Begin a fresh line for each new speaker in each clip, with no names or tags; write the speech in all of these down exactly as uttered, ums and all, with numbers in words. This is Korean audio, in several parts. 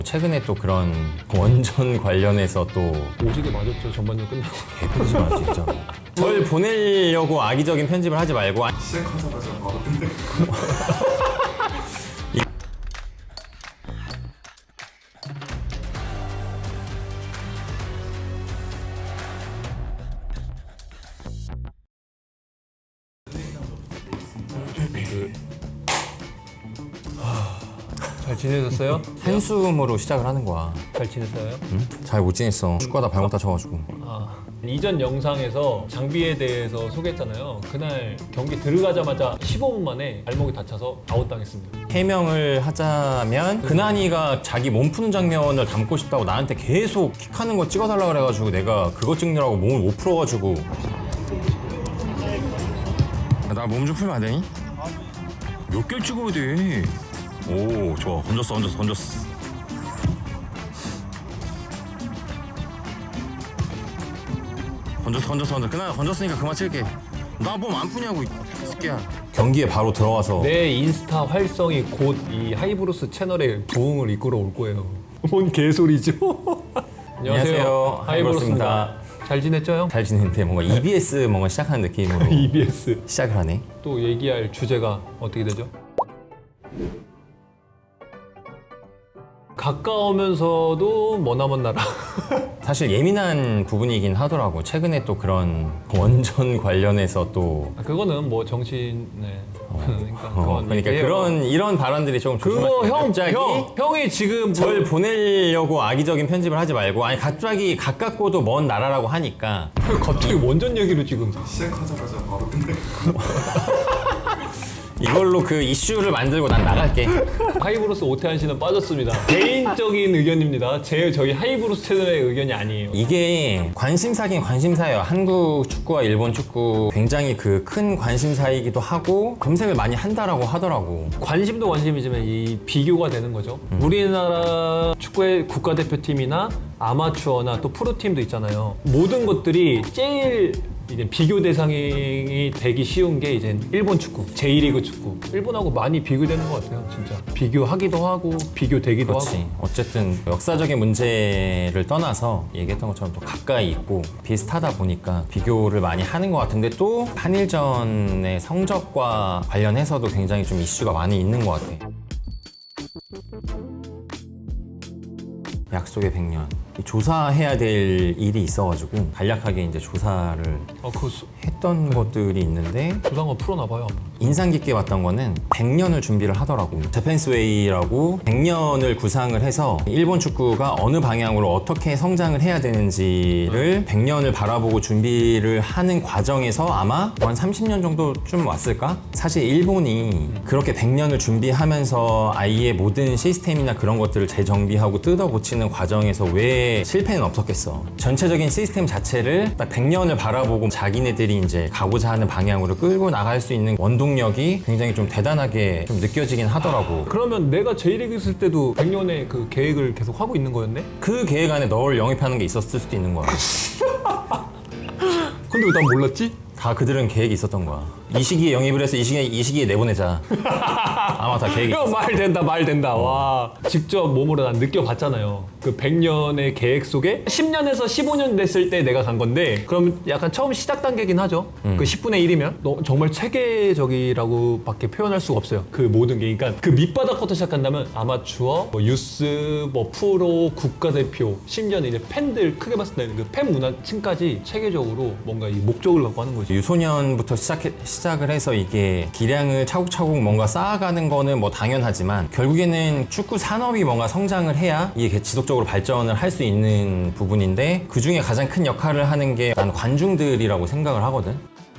최근에 또 그런 원전 관련해서 또
오지게 맞았죠. 전반전 끝나고.
개편지 마 진짜. 절 보내려고 악의적인 편집을 하지 말고
시작하자마자 바로 끝내.
잘 지내셨어요?
한숨으로 시작을 하는 거야.
잘 지냈어요?
응? 잘 못 지냈어. 축구하다 발목 다쳐가지고.
아, 이전 영상에서 장비에 대해서 소개했잖아요. 그날 경기 들어가자마자 십오 분 만에 발목이 다쳐서 아웃당했습니다.
해명을 하자면 근한이가 자기 몸 푸는 장면을 담고 싶다고 나한테 계속 킥하는 거 찍어달라 그래가지고 내가 그거 찍느라고 몸을 못 풀어가지고. 나 몸 좀 풀면 안 되니? 몇 개를 찍어야 돼? 오, 좋아. 던졌어, 던졌어, 던졌어. 던졌어, 던졌어, 던졌어. 그날 던졌으니까 그만 칠게. 나 몸 안 푸냐고, 이 새끼야. 경기에 바로 들어가서
내 인스타 활성이 곧 이 하이브루스 채널의 부흥을 이끌어 올 거예요. 뭔 개소리죠?
안녕하세요. 하이브루스입니다.
잘 지냈죠, 형?
잘 지냈는데 뭔가 이비에스 뭔가 시작하는 느낌으로
이비에스.
시작을 하네.
또 얘기할 주제가 어떻게 되죠? 가까우면서도 머나먼 나라.
사실 예민한 부분이긴 하더라고. 최근에 또 그런 원전 관련해서 또
아, 그거는 뭐 정신, 네. 그러니까
어,
그건
그러니까
얘기해요.
그런 이런 발언들이 조금
그거
조심하세요.
형,
갑자기
형, 형이 지금
절
뭘
보내려고 악의적인 편집을 하지 말고 아니 갑자기 가깝고도 먼 나라라고 하니까
갑자기 원전 얘기로 지금.
시작하자마자 바로 끝내.
이걸로 그 이슈를 만들고 난 나갈게.
하이브루스 오태한 씨는 빠졌습니다. 개인적인 의견입니다. 제 저희 하이브루스 채널의 의견이 아니에요.
이게 관심사긴 관심사예요. 한국 축구와 일본 축구 굉장히 그 큰 관심사이기도 하고 검색을 많이 한다라고 하더라고.
관심도 관심이지만 이 비교가 되는 거죠. 우리나라 축구의 국가대표팀이나 아마추어나 또 프로팀도 있잖아요. 모든 것들이 제일 이제 비교 대상이 되기 쉬운 게 이제 일본 축구, 제이리그 축구. 일본하고 많이 비교되는 것 같아요, 진짜. 비교하기도 하고 비교되기도
그렇지.
하고.
어쨌든 역사적인 문제를 떠나서 얘기했던 것처럼 또 가까이 있고 비슷하다 보니까 비교를 많이 하는 것 같은데 또 한일전의 성적과 관련해서도 굉장히 좀 이슈가 많이 있는 것 같아. 약속의 백 년. 조사해야 될 일이 있어가지고 간략하게 이제 조사를
아, 그거 수-
했던 것들이 있는데
조상어 풀어놔봐요. 한번.
인상 깊게 봤던 거는 백 년을 준비를 하더라고. 재팬스웨이라고 백 년을 구상을 해서 일본 축구가 어느 방향으로 어떻게 성장을 해야 되는지를 백 년을 바라보고 준비를 하는 과정에서 아마 한 삼십 년 정도쯤 왔을까? 사실 일본이 그렇게 백 년을 준비하면서 아예 모든 시스템이나 그런 것들을 재정비하고 뜯어고치는 과정에서 왜 실패는 없었겠어. 전체적인 시스템 자체를 딱 백 년을 바라보고 자기네들이 이제 가고자 하는 방향으로 끌고 나갈 수 있는 원동력이 굉장히 좀 대단하게 좀 느껴지긴 하더라고.
그러면 내가 제이리그 있을 때도 백 년의 그 계획을 계속 하고 있는 거였네?
그 계획 안에 널 영입하는 게 있었을 수도 있는 거야.
근데 왜 난 몰랐지?
다 그들은 계획이 있었던 거야. 이 시기에 영입을 해서 이 시기에, 이 시기에 내보내자. 아마 다 계획이
야,
있었어.
말 된다, 말 된다. 와. 직접 몸으로 난 느껴봤잖아요. 그 백 년의 계획 속에 십 년에서 십오 년 됐을 때 내가 간 건데, 그럼 약간 처음 시작 단계긴 하죠. 그 십분의 일이면. 너 정말 체계적이라고 밖에 표현할 수가 없어요. 그 모든 게. 그러니까 그 밑바닥부터 시작한다면 아마추어, 뭐 유스, 뭐 프로, 국가대표, 심지어는 이제 팬들 크게 봤을 때는 그 팬 문화층까지 체계적으로 뭔가 이 목적을 갖고 하는 거지.
유소년부터 시작해, 시작을 해서 이게 기량을 차곡차곡 뭔가 쌓아가는 거는 뭐 당연하지만 결국에는 축구 산업이 뭔가 성장을 해야 이게 지속적으로 발전을 할 수 있는 부분인데 그 중에 가장 큰 역할을 하는 게 난 관중들이라고 생각을 하거든.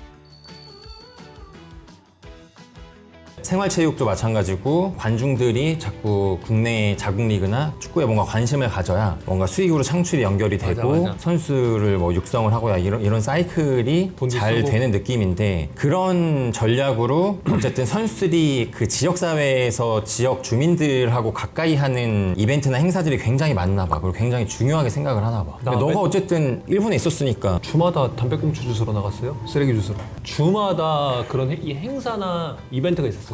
생활체육도 마찬가지고 관중들이 자꾸 국내 자국 리그나 축구에 뭔가 관심을 가져야 뭔가 수익으로 창출이 연결이 되고
맞아, 맞아.
선수를 뭐 육성을 하고야 이런 이런 사이클이
돈도
잘
쓰고.
되는 느낌인데 그런 전략으로 어쨌든 선수들이 그 지역 사회에서 지역 주민들하고 가까이 하는 이벤트나 행사들이 굉장히 많나 봐. 그리고 굉장히 중요하게 생각을 하나 봐. 근데
나
너가
맨-
어쨌든 일본에 있었으니까
주마다 담배꽁초 주스러 나갔어요. 쓰레기 주스러. 주마다 그런 해- 이 행사나 이벤트가 있었어.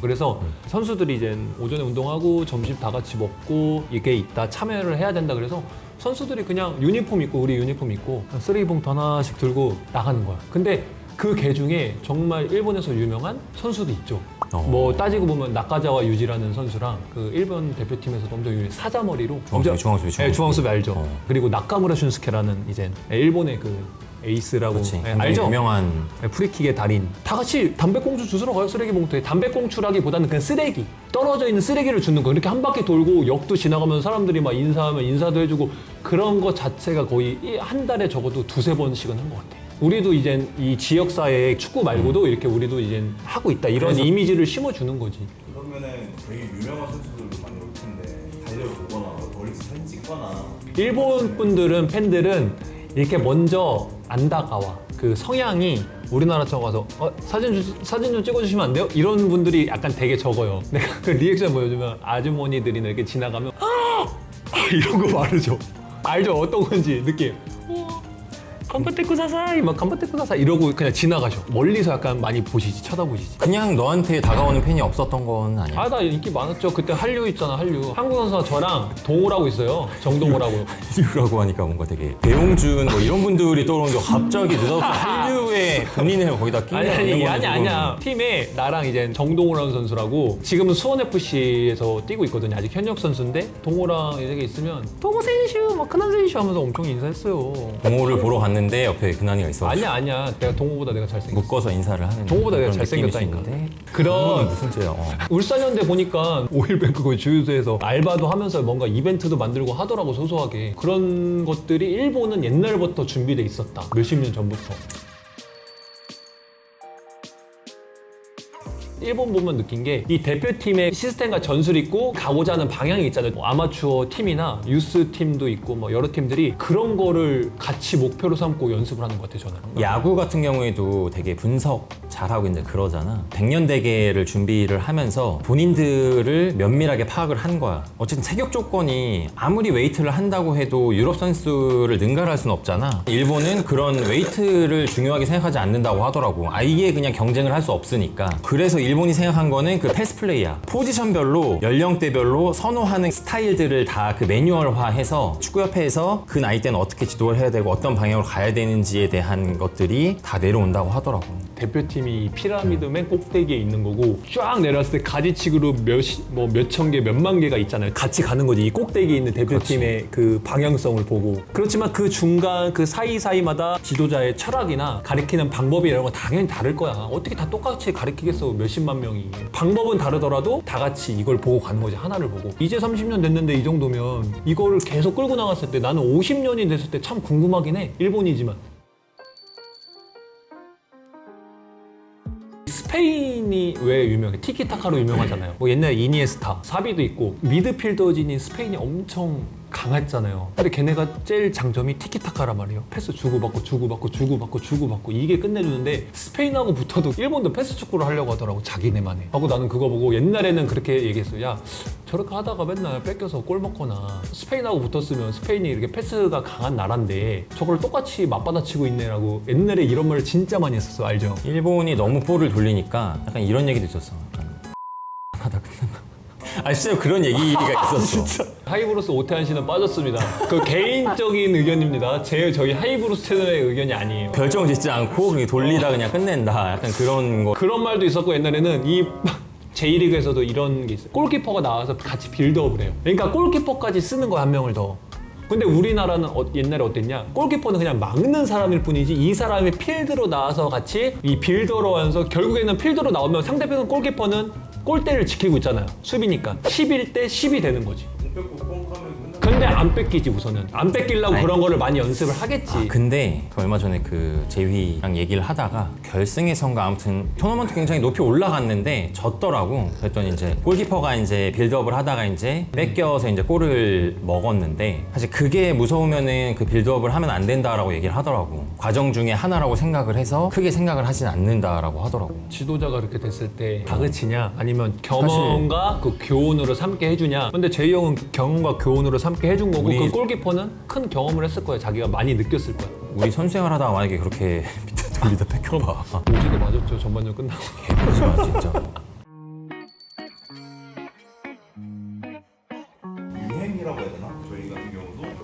그래서
음.
선수들이 이제 오전에 운동하고 점심 다 같이 먹고 이게 있다 참여를 해야 된다 그래서 선수들이 그냥 유니폼 입고 우리 유니폼 입고 쓰레기 봉투 하나씩 들고 나가는 거야. 근데 그 개 중에 정말 일본에서 유명한 선수도 있죠.
어.
뭐 따지고 보면 나카자와 유지라는 선수랑 그 일본 대표팀에서도 엄청 유명해 사자머리로
중앙수비, 중앙수비,
네, 중앙수비 알죠.
어.
그리고 나카무라 슌스케라는 이제 일본의 그 에이스라고
그렇지.
네,
굉장히
알죠?
유명한
네, 프리킥의 달인. 다 같이 담배꽁초 주스러 가요, 쓰레기 봉투에. 담배꽁초라기보다는 그냥 쓰레기. 떨어져 있는 쓰레기를 주는 거. 이렇게 한 바퀴 돌고 역도 지나가면 사람들이 막 인사하면 인사도 해주고 그런 거 자체가 거의 이 한 달에 적어도 두세 번씩은 한 것 같아. 우리도 이제 이 지역사회에 축구 말고도 이렇게 우리도 이제 하고 있다. 이런
그래서-
이미지를 심어주는 거지.
그러면은 되게 유명한 선수들도 많이 올 텐데 달려보거나 멀리서 사진 찍거나
일본 분들은 팬들은 이렇게 먼저 안 다가와. 그 성향이 우리나라처럼 가서 어, 사진 주, 사진 좀 찍어주시면 안 돼요? 이런 분들이 약간 되게 적어요. 내가 그 리액션 보여주면 아주머니들이 이렇게 지나가면 아! 이런 거 말하죠. 알죠? 어떤 건지 느낌. 컴파테쿠 사사이 막 컴파테쿠 사사이 이러고 그냥 지나가셔. 멀리서 약간 많이 보시지 쳐다보시지.
그냥 너한테 다가오는 팬이 없었던 건 아니야.
아 나 인기 많았죠. 그때 한류 있잖아 한류. 한국 선수가 저랑 동호라고 있어요. 정동호라고.
한류라고 하니까 뭔가 되게 배용준 뭐 이런 분들이 떠오르는데 갑자기 느닷없이 한류에 본인을 거기다 끼는
아니 아니
거는
아니
조금-
아니야. 팀에 나랑 이제 정동호라는 선수라고 지금은 수원에프씨에서 뛰고 있거든요. 아직 현역 선수인데 동호랑 이렇게 있으면 동호 선수 막 큰한 선수 하면서 엄청 인사했어요.
동호를 보러 갔는데 옆에 근한이가 있어.
아니야 아니야. 내가 동호보다 내가 잘생겼어.
묶어서 인사를 하는.
동호보다 내가
그런 느낌일 수
잘생겼다니까.
있는데
그런
그건 무슨 죄야? 어.
울산현대 보니까 오일뱅크 거기 주유소에서 알바도 하면서 뭔가 이벤트도 만들고 하더라고 소소하게. 그런 것들이 일본은 옛날부터 준비돼 있었다. 몇십 년 전부터. 일본 보면 느낀 게 이 대표팀의 시스템과 전술이 있고 가고자 하는 방향이 있잖아요. 뭐 아마추어 팀이나 유스 팀도 있고 뭐 여러 팀들이 그런 거를 같이 목표로 삼고 연습을 하는 것 같아요, 저는.
야구 같은 경우에도 되게 분석 잘하고 이제 그러잖아. 백년대계를 준비를 하면서 본인들을 면밀하게 파악을 한 거야. 어쨌든 체격 조건이 아무리 웨이트를 한다고 해도 유럽 선수를 능가할 수는 없잖아. 일본은 그런 웨이트를 중요하게 생각하지 않는다고 하더라고. 아예 그냥 경쟁을 할 수 없으니까. 그래서 일본이 생각한 거는 그 패스 플레이야. 포지션별로 연령대별로 선호하는 스타일들을 다 그 매뉴얼화해서 축구협회에서 그 나이 때는 어떻게 지도를 해야 되고 어떤 방향으로 가야 되는지에 대한 것들이 다 내려온다고 하더라고.
대표팀이 피라미드 맨 꼭대기에 있는 거고 쫙 내려왔을 때 가지치기로 몇, 뭐 몇천 개, 몇만 개가 있잖아요. 같이 가는 거지. 이 꼭대기에 있는 대표팀의 그 방향성을 보고. 그렇지만 그 중간 그 사이사이마다 지도자의 철학이나 가리키는 방법이 이런 거 당연히 다를 거야. 어떻게 다 똑같이 가리키겠어, 몇십만 명이. 방법은 다르더라도 다 같이 이걸 보고 가는 거지, 하나를 보고. 이제 삼십 년 됐는데 이 정도면 이거를 계속 끌고 나갔을 때 나는 오십 년이 됐을 때 참 궁금하긴 해. 일본이지만. 스페인이 왜 유명해? 티키타카로 유명하잖아요. 뭐 옛날에 이니에스타, 사비도 있고 미드필더진인 스페인이 엄청 강했잖아요. 근데 걔네가 제일 장점이 티키타카란 말이에요. 패스 주고받고 주고받고 주고받고 주고받고 이게 끝내주는데 스페인하고 붙어도 일본도 패스 축구를 하려고 하더라고, 자기네만의. 하고 나는 그거 보고 옛날에는 그렇게 얘기했어요. 야, 저렇게 하다가 맨날 뺏겨서 골 먹거나 스페인하고 붙었으면 스페인이 이렇게 패스가 강한 나라인데 저걸 똑같이 맞받아치고 있네라고 옛날에 이런 말을 진짜 많이 했었어. 알죠?
일본이 너무 볼을 돌리니까 약간 이런 얘기도 있었어. 약간 하다 끝난다. 아 진짜 그런 얘기가 있었어.
하이브로스 오태한 씨는 빠졌습니다. 그 개인적인 의견입니다. 제 저희 하이브로스 채널의 의견이 아니에요.
결정 짓지 않고 그냥 돌리다 그냥 끝낸다. 약간 그런 거.
그런 말도 있었고 옛날에는 이 제이리그에서도 이런 게 있어요. 골키퍼가 나와서 같이 빌드업을 해요. 그러니까 골키퍼까지 쓰는 거야, 한 명을 더. 근데 우리나라는 어, 옛날에 어땠냐? 골키퍼는 그냥 막는 사람일 뿐이지 이 사람이 필드로 나와서 같이 이 빌더로 하면서 결국에는 필드로 나오면 상대편 골키퍼는 골대를 지키고 있잖아요. 수비니까 십일 대 십이 되는 거지.
공 뺏고 뻥 하면 끝나.
근데 안 뺏기지 우선은. 안 뺏기려고
아니.
그런 거를 많이 연습을 하겠지.
아, 근데 그 얼마 전에 그 제휘랑 얘기를 하다가 결승에선가 아무튼 토너먼트 굉장히 높이 올라갔는데 졌더라고. 그랬더니 이제 골키퍼가 이제 빌드업을 하다가 이제 뺏겨서 이제 골을 먹었는데 사실 그게 무서우면은 그 빌드업을 하면 안 된다라고 얘기를 하더라고. 과정 중에 하나라고 생각을 해서 크게 생각을 하진 않는다라고 하더라고.
지도자가 그렇게 됐을 때 다그치냐 아니면 경험과 그 교훈으로 삼게 해주냐. 근데 제이 형은 경험과 교훈으로 삼게 해준 거고
우리-
그 골키퍼는 큰 경험을 했을 거야. 자기가 많이 느꼈을 거야.
우리 선수 생활하다가 만약에 그렇게 밑에 돌리다 뺏겨봐.
오지게 맞았죠. 전반전 끝나고.
개보지 마 진짜.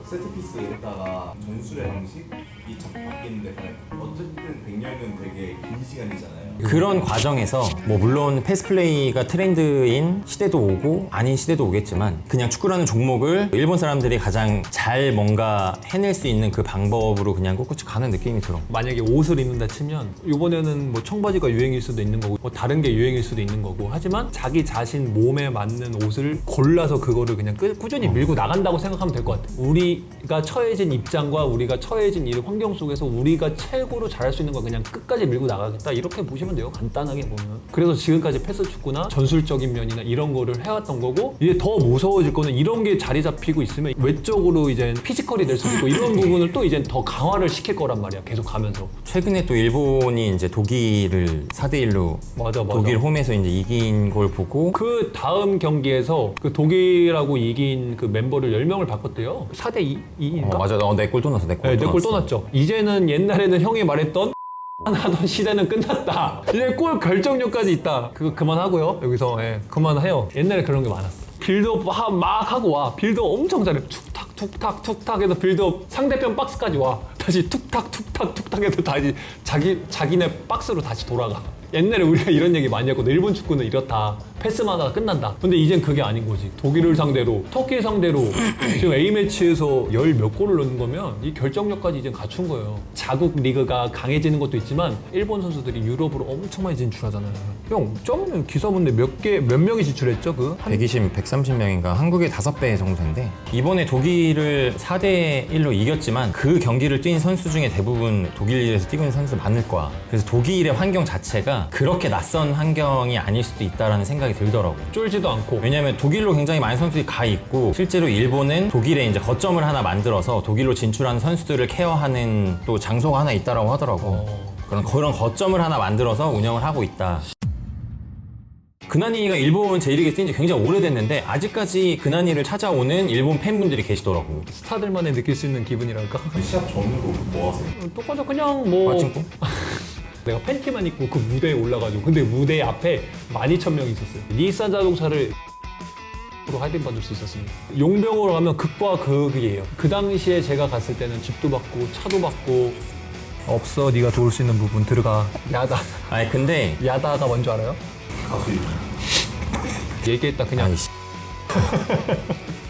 세트피스 했다가 전술의 방식이 자꾸 바뀌는데 어쨌든 백 년은 되게 긴 시간이잖아요.
그런 과정에서 뭐 물론 패스플레이가 트렌드인 시대도 오고 아닌 시대도 오겠지만 그냥 축구라는 종목을 일본 사람들이 가장 잘 뭔가 해낼 수 있는 그 방법으로 그냥 꿋꿋이 가는 느낌이 들어.
만약에 옷을 입는다 치면 이번에는 뭐 청바지가 유행일 수도 있는 거고 뭐 다른 게 유행일 수도 있는 거고 하지만 자기 자신 몸에 맞는 옷을 골라서 그거를 그냥 끄, 꾸준히 밀고 나간다고 생각하면 될 것 같아. 우리가 처해진 입장과 우리가 처해진 이 환경 속에서 우리가 최고로 잘할 수 있는 걸 그냥 끝까지 밀고 나가겠다 이렇게 보시면 돼요. 간단하게 보면. 그래서 지금까지 패스 축구나 전술적인 면이나 이런 거를 해왔던 거고 이제 더 무서워질 거는 이런 게 자리 잡히고 있으면 외적으로 이제 피지컬이 될 수도 있고 이런 부분을 또 이제 더 강화를 시킬 거란 말이야. 계속 가면서.
최근에 또 일본이 이제 독일을 사 대 일로
맞아, 맞아.
독일 홈에서 이제 이긴 걸 보고
그 다음 경기에서 그 독일하고 이긴 그 멤버를 열 명을 바꿨대요. 사 대 이인가?
어, 맞아. 어, 내 골 또 넣었어. 내 골
네,
또
내골
넣었어.
또 났죠. 이제는 옛날에는 형이 말했던 하던 시대는 끝났다. 이제 골 결정력까지 있다. 그거 그만하고요. 여기서 예, 그만해요. 옛날에 그런 게 많았어. 빌드업 하- 막 하고 와. 빌드업 엄청 잘해. 툭탁 툭탁 툭탁 해서 빌드업 상대편 박스까지 와. 다시 툭탁 툭탁 툭탁 해서 다시 자기 자기네 박스로 다시 돌아가. 옛날에 우리가 이런 얘기 많이 했거든. 일본 축구는 이렇다. 패스만 하다가 끝난다. 근데 이젠 그게 아닌 거지. 독일을 상대로, 터키 상대로 지금 A매치에서 열 몇 골을 넣는 거면 이 결정력까지 이제 갖춘 거예요. 자국 리그가 강해지는 것도 있지만 일본 선수들이 유럽으로 엄청 많이 진출하잖아요. 형, 저번에 기사 본데 몇 개, 몇 명이 진출했죠? 그? 한
백이십, 백삼십 명인가 한국의 다섯 배 정도 된대. 이번에 독일을 사 대 일로 이겼지만 그 경기를 뛴 선수 중에 대부분 독일에서 뛰고 있는 선수 많을 거야. 그래서 독일의 환경 자체가 그렇게 낯선 환경이 아닐 수도 있다라는 생각이 들더라고.
쫄지도 않고.
왜냐면 독일로 굉장히 많은 선수들이 가 있고 실제로 일본은 독일에 이제 거점을 하나 만들어서 독일로 진출하는 선수들을 케어하는 또 장소가 하나 있다라고 하더라고.
어.
그런 그런 거점을 하나 만들어서 운영을 하고 있다. 근한이가 일본 제이리그에 뛴 지 굉장히 오래됐는데 아직까지 근한이를 찾아오는 일본 팬분들이 계시더라고.
스타들만의 느낄 수 있는 기분이랄까?
시합 전으로 뭐 하세요?
똑같아. 그냥 뭐.
빠친코?
내가 팬티만 입고 그 무대에 올라가지고 근데 무대 앞에 만 이천 명이 있었어요. 니산 자동차를 으로 할인 받을 수 있었습니다. 용병으로 가면 극과 극이에요. 그 당시에 제가 갔을 때는 집도 받고 차도 받고 없어. 네가 도울 수 있는 부분 들어가. 야다.
아니 근데
야다가 뭔지 알아요?
가수
얘기했다 그냥.
아니 씨.